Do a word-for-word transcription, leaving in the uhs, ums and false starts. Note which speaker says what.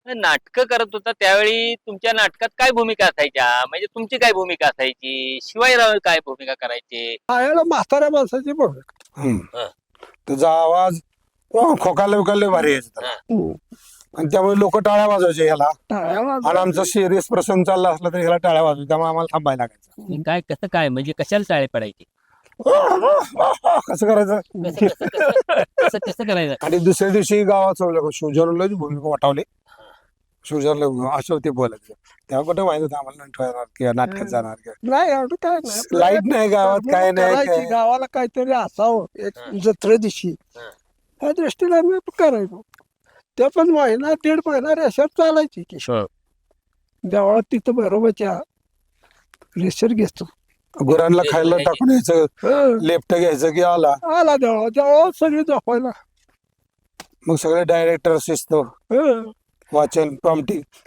Speaker 1: नाटकं करत होता त्यावेळी तुमच्या नाटकात काय भूमिका असायच्या म्हणजे तुमची काय भूमिका असायची शिवाजीराव काय भूमिका करायचे
Speaker 2: आयाला म्हाताऱ्या माणसाची भूमिका.
Speaker 3: हम्म. त्याचा आवाज खोकाले उकाले भारी यायचा त्याला.
Speaker 2: हम्म.
Speaker 3: आणि त्यामुळे लोक टाळ्या वाजवायचे ह्याला
Speaker 2: टाळ्या
Speaker 3: आणि
Speaker 2: वाजवायच्या.
Speaker 3: आमचा सिरियस प्रसंग चालला असला तर ह्याला टाळ्या वाजवायच्या त्यामुळे आम्हाला थांबायला लागायचं.
Speaker 1: काय कसं काय म्हणजे कशाला टाळे पडायचे
Speaker 3: कसं करायचं
Speaker 1: कसं कसं कसं कसं कसं करायचं
Speaker 3: आणि दुसऱ्या दिवशी गावात शिवजनला भूमिका वाटावली शिवजनला असं ते बोलायचं तेव्हा कुठं माहित होतं आम्हाला नंतर येणार किंवा नाटकात जाणार किंवा
Speaker 2: नाही एवढं काय नाही
Speaker 3: लाईट नाही गावात काय नाही
Speaker 2: करायची,
Speaker 3: काय.
Speaker 2: गावाला काहीतरी असावं एक
Speaker 1: हा.
Speaker 2: जत्रे दिवशी
Speaker 1: हा.
Speaker 2: ह्या दृष्टीने आम्ही करायचो. ते पण महिना दीड महिना रेषात चालायची की देवळात तिथं बरोबरच्या रेषर घेतो.
Speaker 3: गुरांना खायला टाकून यायचं
Speaker 2: हं.
Speaker 3: लेफ्ट घ्यायचं की आला
Speaker 2: आला देवळा देवळात सगळी झोपायला.
Speaker 3: मग सगळे डायरेक्टर शिस्त
Speaker 2: हं.
Speaker 3: वाचन प्रॉम्प्टिंग